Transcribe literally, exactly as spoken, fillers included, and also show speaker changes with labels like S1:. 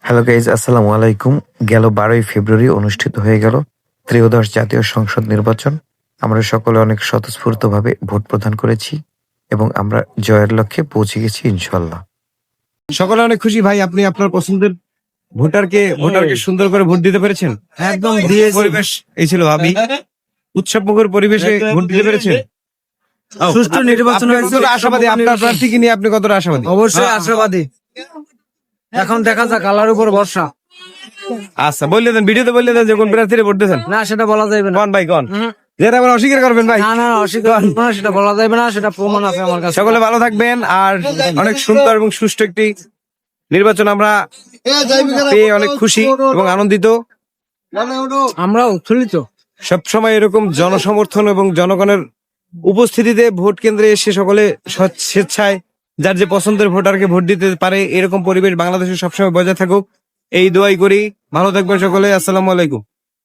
S1: Hello guys, আসসালামু আলাইকুম। গেল বারোই ফেব্রুয়ারি অনুষ্ঠিত হয়ে গেল ত্রয়োদশ জাতীয় সংসদ নির্বাচন। আমরা সকলে অনেক স্বতঃস্ফূর্তভাবে ভোট প্রদান করেছি এবং আমরা জয়ের লক্ষ্যে পৌঁছে গেছি ইনশাল্লাহ।
S2: সকলে অনেক খুশি ভাই, আপনি আপনার পছন্দের ভোটারকে ভোটারকে সুন্দর করে ভোট দিতে পেরেছেন।
S3: একদম দিয়েছি।
S2: পরিবেশ এই ছিল ভাবি, উৎসবমুখর পরিবেশে ভোট দিতে পেরেছেন।
S3: সুষ্ঠু নির্বাচন
S2: আপনি
S3: হয়েছে।
S2: কতটা আশাবাদী? আপনার প্রার্থীকে নিয়ে আপনি কতটা আশাবাদী?
S3: অবশ্যই আশাবাদী। এখন দেখা যাক, আল্লাহর উপর ভরসা।
S2: আচ্ছা, বললে দেন, ভিডিওতে বললে দেন যে কোন প্রার্থীরে ভোট দিয়েছেন।
S3: না, সেটা বলা যাবে না।
S2: কোন ভাই কোন,
S3: হুম।
S2: যেটা আবার অস্বীকার করবেন ভাই।
S3: না না অস্বীকার করবো না, সেটা বলা যাবে না, সেটা প্রমাণ আছে আমার কাছে।
S2: সকলে ভালো থাকবেন, আর অনেক সুন্দর এবং সুষ্ঠু একটি নির্বাচন আমরা পেয়ে অনেক খুশি এবং আনন্দিত।
S3: আমরা উৎফুল্লিত।
S2: সবসময় এরকম জনসমর্থন এবং জনগণের উপস্থিতিতে ভোট কেন্দ্রে এসে সকলে স্ব- স্বেচ্ছায় যার যে পছন্দের ভোটারকে ভোট দিতে পারে, এরকম পরিবেশ বাংলাদেশে সবসময় বজায় থাকুক এই দোয়াই করি। ভালো থাকবেন সকলে। আসসালামু আলাইকুম।